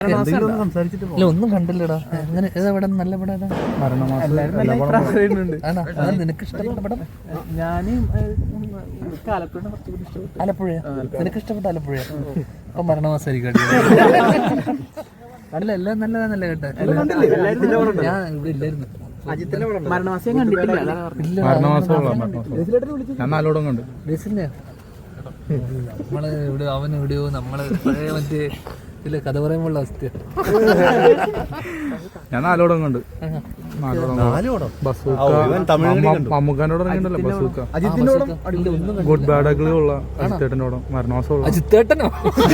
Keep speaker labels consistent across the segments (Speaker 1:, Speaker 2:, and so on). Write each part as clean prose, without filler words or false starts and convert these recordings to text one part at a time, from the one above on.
Speaker 1: ഇല്ല, ഒന്നും കണ്ടില്ലടാ. അങ്ങനെ ഏതാ നല്ല പടം ഏതാ? നിനക്ക് ഇഷ്ടപ്പെട്ട പടം? ആലപ്പുഴ. നിനക്ക് ഇഷ്ടപ്പെട്ട ആലപ്പുഴ? അപ്പൊ മരണമാസമായിരിക്കും. അല്ല, എല്ലാം നല്ലതാന്നല്ലേ കേട്ടെ. ഞാൻ ഇവിടെ ഇല്ലായിരുന്നു. നമ്മള് ഇവിടെ അവൻ എവിടെയോ നമ്മള് പഴയ മറ്റേ ഇതില് കഥ പറയുമ്പോഴുള്ള അവസ്ഥ.
Speaker 2: ഞാൻ നാലോടം കണ്ട്. മമ്മൂക്കാനോട് ഗുഡ് ബാഡ് അഗ്ലി ഉള്ള അജിത്തേട്ടനോടും മരണമാസം.
Speaker 1: അജിത്തേട്ടനോ?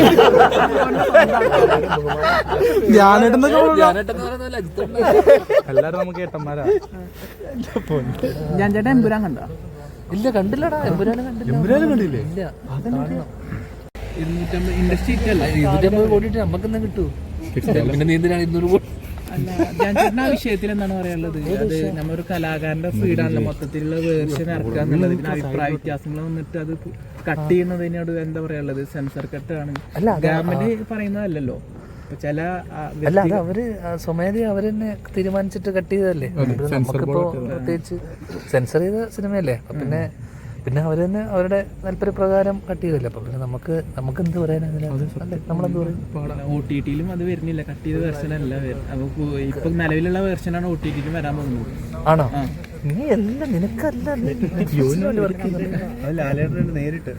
Speaker 2: എല്ലാരും നമുക്ക് ഏട്ടന്മാരാ.
Speaker 3: ഞാൻ ചേട്ടാ എമ്പുരാൻ കണ്ടോ?
Speaker 1: ഇല്ല, കണ്ടില്ലടാ. എമ്പുരാനും കണ്ടില്ലേ? ഇല്ല.
Speaker 3: ഇൻഡസ്ട്രി
Speaker 1: 250 കോടി നമുക്കെന്താ കിട്ടൂ? പിന്നെ നീ എന്തിനാണ് 200 കോടി?
Speaker 3: അല്ല, ഞാൻ ചേട്ടൻ ആ വിഷയത്തിൽ എന്താണ് പറയാനുള്ളത്? അത് നമ്മളൊരു കലാകാരന്റെ ഫ്രീഡാണല്ലോ മൊത്തത്തിലുള്ള വേർഷൻ ഇറക്കുക എന്നുള്ളത്. പിന്നെ അഭിപ്രായ വ്യത്യാസങ്ങൾ വന്നിട്ട് അത് കട്ട് ചെയ്യുന്നതിനോട് എന്താ പറയാനുള്ളത്? സെൻസർ കട്ടാണ്, ഗവൺമെന്റ് പറയുന്നതല്ലല്ലോ. ചില
Speaker 1: അല്ല, അത് അവര് സ്വമേധ അവര് തന്നെ തീരുമാനിച്ചിട്ട് കട്ട് ചെയ്തതല്ലേ. നമുക്കിപ്പോ പ്രത്യേകിച്ച് സെൻസർ ചെയ്ത സിനിമയല്ലേ. അപ്പൊ പിന്നെ അവര് തന്നെ അവരുടെ താല്പര്യപ്രകാരം കട്ട് ചെയ്തല്ലേ. അപ്പൊ പിന്നെ നമുക്ക് എന്ത് പറയാനാ? നമ്മളെന്ത് പറയും?
Speaker 3: OTT-ലും അത് വരുന്നില്ല, കട്ട് ചെയ്ത വേർഷൻ അല്ല. അപ്പൊ ഇപ്പൊ നിലവിലുള്ള വേർഷനാണ് OTT-ലും വരാൻ പോകുന്നത്.
Speaker 1: ആണോ? നീ എല്ലാം നിനക്കല്ല
Speaker 2: നേരിട്ട്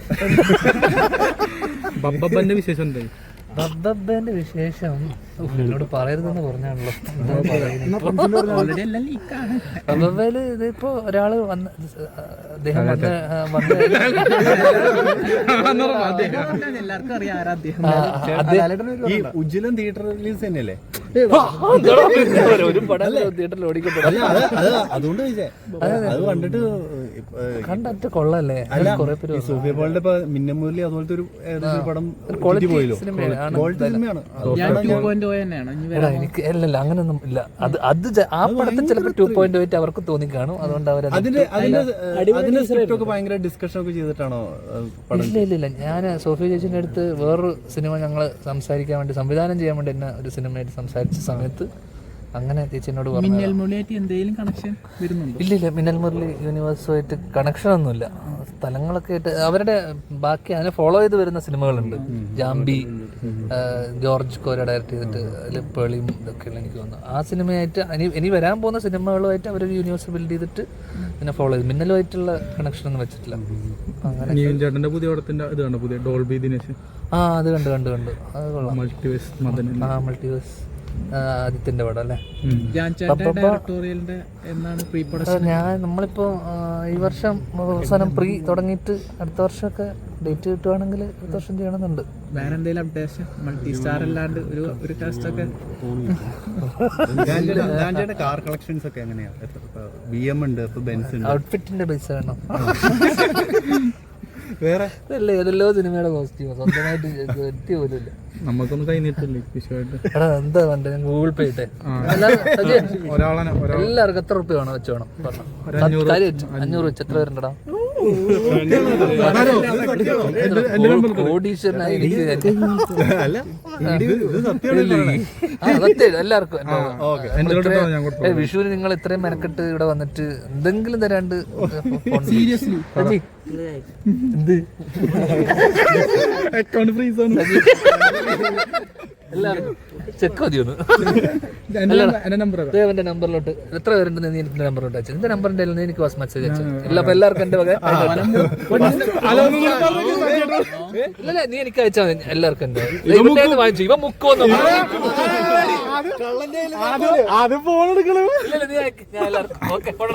Speaker 2: ബബ്ബന്റെ വിശേഷം എന്തായി?
Speaker 1: ബബ്ബന്റെ വിശേഷം എന്നോട് പറയരുതെന്ന് പറഞ്ഞാണല്ലോ. ബബ്ബയില് ഇതിപ്പോ ഒരാള് വന്ന് അദ്ദേഹം
Speaker 3: എല്ലാവർക്കും അറിയാം ആരാ അദ്ദേഹം.
Speaker 2: ഈ ഉജ്ജ്വലൻ തിയേറ്റർ റിലീസ് തന്നെയല്ലേ?
Speaker 1: ഒരു പടം തിയേറ്ററിൽ ഓടിക്കപ്പെടും.
Speaker 2: അതുകൊണ്ട് അത് കണ്ടിട്ട്
Speaker 1: കണ്ടിട്ട് കൊള്ളല്ലേ. കുറെ പേര്
Speaker 2: സോഫിയ പോളിന്റെ ഇപ്പൊ മിന്നമൂലി അതുപോലത്തെ ഒരു പടം
Speaker 1: സിനിമയാണ്. എനിക്ക് അല്ലല്ല, അങ്ങനൊന്നും ഇല്ല. അത് ആ പടത്തിൽ ചിലപ്പോൾ 2.8 അവർക്ക് തോന്നിക്കാണും. അതുകൊണ്ട് അവർ
Speaker 2: ഭയങ്കര ഡിസ്കഷൻ ഒക്കെ ചെയ്തിട്ടാണോ?
Speaker 1: ഇല്ല, ഞാൻ സോഫിയ ചേച്ചിന്റെ അടുത്ത് വേറൊരു സിനിമ ഞങ്ങൾ സംസാരിക്കാൻ വേണ്ടി, സംവിധാനം ചെയ്യാൻ വേണ്ടി എന്നെ ഒരു സിനിമയായിട്ട് സംസാരിച്ച സമയത്ത് അങ്ങനെ ചേച്ചിനോട് പറഞ്ഞു.
Speaker 3: മിന്നൽ മുരളിയായിട്ട് എന്തെങ്കിലും കണക്ഷൻ വരുന്നുണ്ടോ?
Speaker 1: ഇല്ല, മിന്നൽ മുരളി യൂണിവേഴ്സുമായിട്ട് കണക്ഷൻ ഒന്നുമില്ല. സ്ഥലങ്ങളൊക്കെ ആയിട്ട് അവരുടെ ബാക്കി അതിനെ ഫോളോ ചെയ്ത് വരുന്ന സിനിമകളുണ്ട്. ജാംബി, ജോർജ് കോര ഡയറക്ട് ചെയ്തിട്ട് അതിൽ പേളിയും ഇതൊക്കെയുള്ള എനിക്ക് തോന്നുന്നു. ആ സിനിമയായിട്ട് ഇനി വരാൻ പോകുന്ന സിനിമകളുമായിട്ട് അവരൊരു യൂണിവേഴ്സ് ബിൽഡ് ചെയ്തിട്ട് പിന്നെ ഫോളോ ചെയ്ത് മിന്നലുമായിട്ടുള്ള കണക്ഷൻ ഒന്നും വെച്ചിട്ടില്ല. അങ്ങനെ
Speaker 2: ചേട്ടന്റെ പുതിയ പടത്തിന്റെ ഇത് കണ്ടോ? പുതിയ ഡോൾബി ദിനേശ്.
Speaker 1: അത് കണ്ടു. അത് കൊള്ളാം.
Speaker 2: മൾട്ടിവേഴ്സ്
Speaker 1: മൾട്ടിവേഴ്സ് ആദിത്യന്റെ പടം അല്ലേ? നമ്മളിപ്പോ ഈ വർഷം അവസാനം പ്രീ തുടങ്ങിയിട്ട് അടുത്ത വർഷമൊക്കെ ഡേറ്റ് കിട്ടുവാണെങ്കിൽ അടുത്ത വർഷം ചെയ്യണമെന്നുണ്ട്.
Speaker 3: വേറെ എന്തെങ്കിലും അപ്ഡേഷൻ? മൾട്ടി സ്റ്റാർ അല്ലാണ്ട് ഒരു കാസ്റ്റ് ഒക്കെ
Speaker 2: കാർ കളക്ഷൻസ് ഒക്കെ എങ്ങനെയാ? BM ഉണ്ട്, ബെൻസ് ഉണ്ട്.
Speaker 1: ഔട്ട്ഫിറ്റിന്റെ ബേസ് വേണം.
Speaker 2: വേറെ
Speaker 1: ഏതെല്ലോ സിനിമയുടെ കോസ്റ്റ്യൂം സ്വന്തമായിട്ട് എത്തി പോലുമില്ല.
Speaker 2: നമുക്കൊന്നും കഴിഞ്ഞിട്ടില്ലേ വിഷയമായിട്ട്?
Speaker 1: എന്താ വേണ്ട? ഞാൻ ഗൂഗിൾ പേ ഇട്ടെ. എല്ലാവർക്കും എത്ര റുപ്യ വേണം വെച്ച് വേണം പറഞ്ഞു. 500 വെച്ച് എത്ര പേരുണ്ടടാ? കോടീശ്വരനായി എല്ലാവർക്കും. വിഷുവിന് നിങ്ങൾ ഇത്രയും മെനക്കെട്ട് ഇവിടെ വന്നിട്ട് എന്തെങ്കിലും തരാണ്ട് സീരിയസ്ലി എന്ത്
Speaker 2: അക്കൗണ്ട് ഫ്രീസ് ആണ്.
Speaker 1: എല്ലാവർക്കും ചെക്ക് മതിയൊന്ന്. എന്റെ നമ്പറിലോട്ട് എത്ര പേരുണ്ടെന്ന് നീ എനിക്ക് നമ്പറിലോട്ട് അയച്ചു. എന്റെ നമ്പറിന്റെ എനിക്ക് വാസ് മെസ്സേജ് അയച്ചു. എല്ലാവർക്കും എന്റെ വക ഇല്ല, നീ എനിക്ക് അയച്ചാൽ മതി. എല്ലാവർക്കും എന്റെ വാങ്ങിച്ചു. ഇവ മുക്കോന്ന് നീ എല്ലാവർക്കും ഓക്കെ.